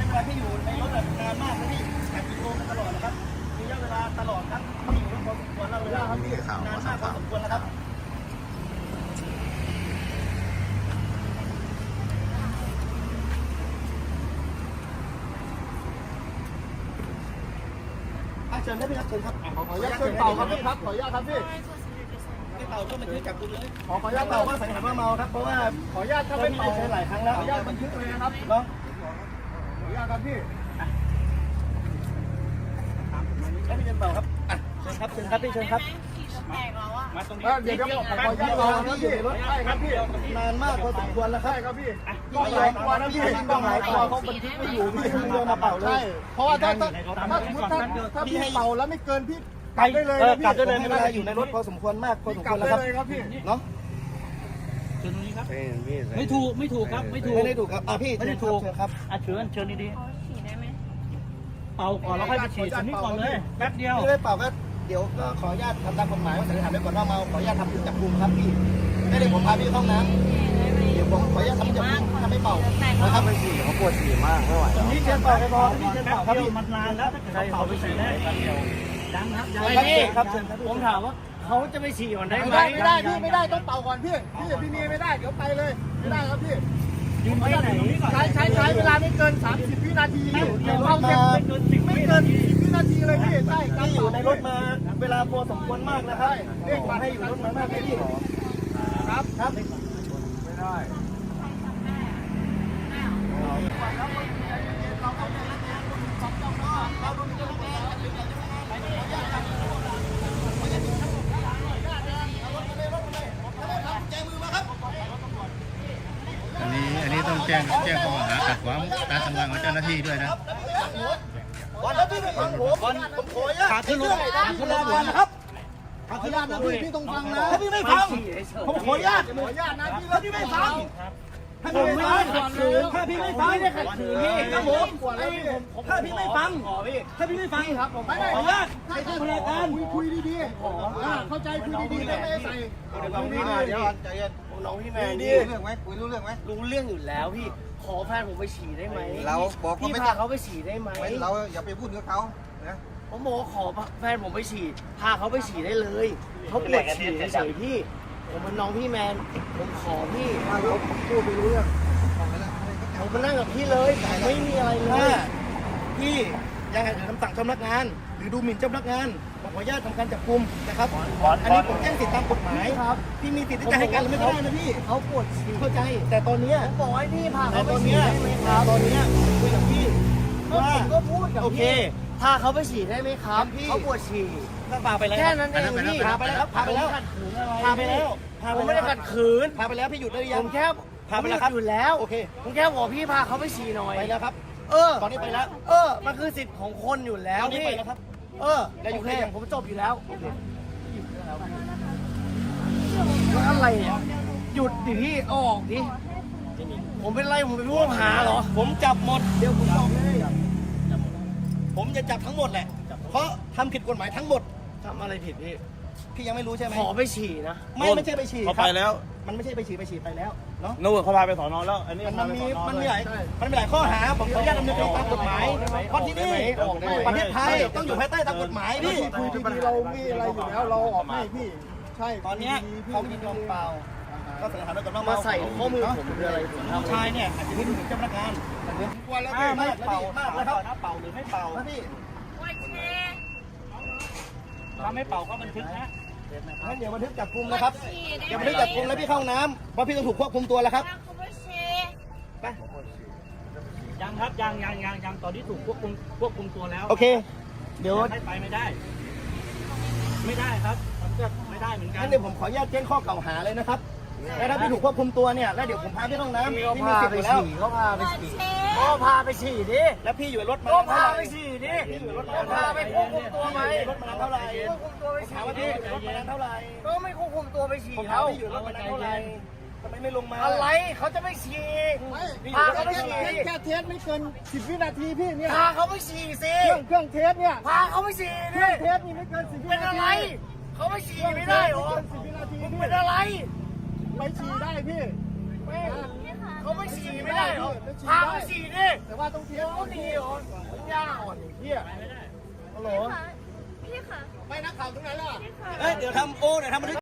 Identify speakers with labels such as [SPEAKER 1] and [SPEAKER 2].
[SPEAKER 1] เวลาที่อยู่ในรถนานมากนะพี่แอบโทรมาตลอดนะครับมีระยะเวลาตลอดครับที่อยู่รถพอสมควรแล้วเวลาครับพี่นานมากพอสมควรแล้วครับเชิญได้ไหมครับเชิญครับขออนุญาตเชิญเป่าครับพี่ครับขออนุญาตครับพี่ไม่เป่าก็บันทึกจับกุมเลยขออนุญาตเป่าว่าสังหารว่าเมาครับเพราะว่าขออนุญาตถ้าไม่เป่าใช้หลายครั้งแล้วขออนุญาตบันทึกเลยนะครับเนาะขออนุญาตครับพี่ให้พี่เชิญเป่าครับเชิญครับเชิญครับพี่เชิญครับมาตรงนี้เดี๋ยวขออนุญาตเป่าครับพี่รถใช่ครับพี่นานมากพอสมควรแล้วครับใช่ครับพี่ต้องหลายตัวนะพี่ต้องหลายตัวเขาบันทึกไม่อยู่พี่เดินมาเป่าเลยเพราะว่าถ้าพี่ให้เป่าแล้วไม่เกินพี่กลับได้เลยกลับได้เลยไม่เป็นไรอยู่ในรถพอสมควรมากพอสมควรแล้วครับพี่เนาะ
[SPEAKER 2] เชิญตรงนี้ครับไม่ถูกครับไม่ถูก
[SPEAKER 1] ไม่ได้ถูกครับพี่ไม่ได้ถูกครับ
[SPEAKER 2] เชิญดีๆฉีดได้ไหมเป่าก่อนแล้วค่อยไปฉีดตรงนี้ก่อนเลยแป๊บเดียว
[SPEAKER 1] ไม่ได้เป่าก็เดี๋ยวก็ขออนุญาตทำตามกฎหมายว่าสันนิษฐานไว้ก่อนว่าเมาขออนุญาตทำจับกุมครับพี่ไม่ได้ผมพาพี่เข้าน้ำเดี๋ยวผมขออนุญาตทำจับกุมถ้าไม่เป่านะครับไม่ฉี่เขาปวดฉี่มากไม่ไหวนี่เชิญเป่าไปพอนี่เชิญเป่าครับพี่มันนานแล้วถ้าเกิดเป่าไปฉี่ได้ดังครับผมถามว่าเขาจะไปฉี่ก่อนได้ไหมไม่ได้พี่ไม่ได้ต้องเป่าก่อนพี่มีไม่ได้เดี๋ยวไปเลยไม่ได้ครับพี่
[SPEAKER 2] ยืนไว้ไหน
[SPEAKER 1] ใช้เวลาไม่เกิน30วินาทีเดี๋ยวเราไม่เกิน10วินาทีเลยพี่ใช่ที่อยู่ในรถมาเวลาพอสมควรมากนะครับเรียกมาให้อยู่รถมามากพี่ครับไม่ได้
[SPEAKER 3] อันนี้ต้องแจ้งข้อหาขัดขวางการทำงานของเจ้าหน้าที่ด้วยนะ
[SPEAKER 1] วันแล้วพี่ไม่ฟังผมขออนุญาตขาขึ้นรถนะครับขาขึ้นรถนะพี่ต้องฟังนะถ้าพี่ไม่ฟังผมขออนุญาตนะพี่ถ้าพี่ไม่ฟังถ้าพี่ไม่ฟังถ้าพี่ไม่ฟังไม่ได้ขัดขืนพี่ครับผมถ้าพี่ไม่ฟังครับผมขออนุญาตใช้พลังการคุยดีๆเข้าใจคุยดีๆไม่ได้ใส่เดี๋ยวใจเย็นน้องพี่แมนรู้เรื่องไหมคุยรู้เรื่องไหมรู้เรื่องอยู่แล้วพี่ขอแฟนผมไปฉี่ได้ไหมเราบอกพี่พาเขาไปฉี่ได้ไหมเราอย่าไปพูดกับเขานะผมบอกขอแฟนผมไปฉี่พาเขาไปฉี่ได้เลยเขาปวดฉี่เฉยๆพี่ผมเป็นน้องพี่แมนผมขอพี่เขาพูดไปรู้เรื่องผมมานั่งกับพี่เลยไม่มีอะไรเลยพี่ยังไงคำสั่งเจ้าพนักงานหรือดูหมิ่นเจ้าพนักงานผมขออนุญาตทำการจับกุมนะครับอันนี้ผมแจ้งสิทธิตามกฎหมายครับพี่มีสิทธิ์ที่จะให้การหรือไม่ได้นะพี่เขาปวดฉี่เข้าใจแต่ตอนนี้ผมบอกให้พี่พาเขาไปฉี่ได้ไหมครับตอนนี้คุยกับพี่ว่าผมก็พูดกับพี่พาเขาไปฉี่ได้ไหมครับเขาปวดฉี่พาไปแล้วแค่นั้นเองพี่พาไปแล้วผมไม่ได้ขัดขืนพาไปแล้วพี่หยุดได้หรือยังผมแค่พาไปแล้วครับอยู่แล้วโอเคผมแค่บอกพี่พาเขาไปฉี่หน่อยไปแล้วครับตอนนี้ไปแล้วมันคือสิทธิ์ของคนอยู่แล้วพี่ไปแล้วครับแล้วอยู่แค่อย่างผมจบอยู่แล้วอะไรเนี่ยหยุดดิพี่ออกดิผมเป็นไรผมเป็นผู้ต้องหาเหรอผมจับหมดเดี๋ยวผมบอกเลยผมจะจับทั้งหมดแหละเพราะทำผิดกฎหมายทั้งหมดทำอะไรผิดพี่ยังไม่รู้ใช่ไหมขอไปฉี่นะไม่ใช่ไปฉี่
[SPEAKER 2] เขาไปแล้ว
[SPEAKER 1] มันไม่ใช่ไปฉี่ไปแล้วเนาะ
[SPEAKER 2] นู่นเขาพาไปสอนอแล้วอันนี้
[SPEAKER 1] มันมีหลายข้อหาผมขออนุญาตดำเนินการตามกฎหมายเพราะที่นี่ประเทศไทยต้องอยู่ภายใต้ตามกฎหมายพี่คุยดีๆเรามีอะไรอยู่แล้วเราออกให้พี่ใช่ตอนนี้เขายินยอมเปล่าก็สันนิษฐานไว้ก่อนว่ามาใส่ข้อมือผมคืออะไรผู้ชายเนี่ยอาจจะไม่รู้ถึงเจ้าพนักงานกลัวแล้วไม่เป่ามากแล้วครับเป่าหรือไม่เป่าพี่
[SPEAKER 2] ถ้าไม่เป่าก็บันทึกนะ
[SPEAKER 1] งั้นเดี๋ยวบันทึกจับกุมนะครับเดี๋ยวบันทึกจับกุมแล้วพี่เข้าน้ำเพราะพี่ต้องถูกควบคุมตัวแล้วครับไป
[SPEAKER 2] ยังครับยังตอนนี้ถูกควบคุมตัวแล้ว
[SPEAKER 1] โอเคเดี๋ยว
[SPEAKER 2] ให้ไปไม่ได้ครับมันก็ไม่ได้เหมือนกัน
[SPEAKER 1] งั้นเดี๋ยวผมขออนุญาตแจ้งข้อกล่าวหาเลยนะครับแล้วถ้าพี่ถูกควบคุมตัวเนี่ยแล้วเดี๋ยวผมพาพี่ต้องน้ำพี่มีสิทธิ์อยู่แล้ว
[SPEAKER 2] ก็พาไปฉี่ดิ
[SPEAKER 1] แล้วพี่อยู่รถมา
[SPEAKER 2] ก็พาไปฉี่ดิพาไปควบคุมตัวไหม
[SPEAKER 1] รถมานานเท่าไหร่
[SPEAKER 2] ควบคุมตัวไปฉี่
[SPEAKER 1] ดิรถมานานเท่าไหร่
[SPEAKER 2] ก็ไม่ควบคุมตัวไปฉี่
[SPEAKER 1] เขาอยู่รถมานานเท่าไหร่ทำไมไม่ลงมา
[SPEAKER 2] อะไรเขาจะไม่ฉี่พาเขาไปฉี่
[SPEAKER 1] แค่เทสไม่เกิน10 วินาทีพี่เนี่ย
[SPEAKER 2] พาเขาไปฉี่สิ
[SPEAKER 1] เครื่องเทสเนี่ย
[SPEAKER 2] พาเขาไปฉี่ดิ
[SPEAKER 1] เทสนี่ไม่เกิน10 วินาที
[SPEAKER 2] เป็นอะไรเขาไม่ฉี่ไม่ได้หรอเป็นอะไร
[SPEAKER 1] ไปฉี่ได้พี่เขาไม่ฉี่ไม่ได้หรอพาไปฉี่ดิแต่ว่าต้องเที่ยวเขาดีเหรอยาอ่อนเหี้ยฮัลโหล
[SPEAKER 4] พี่ค่ะ
[SPEAKER 1] ไม่นักข่าวตรงไหนล่ะ
[SPEAKER 4] พี่ค่ะ
[SPEAKER 1] เอ้ยเดี๋ยวทำบันทึก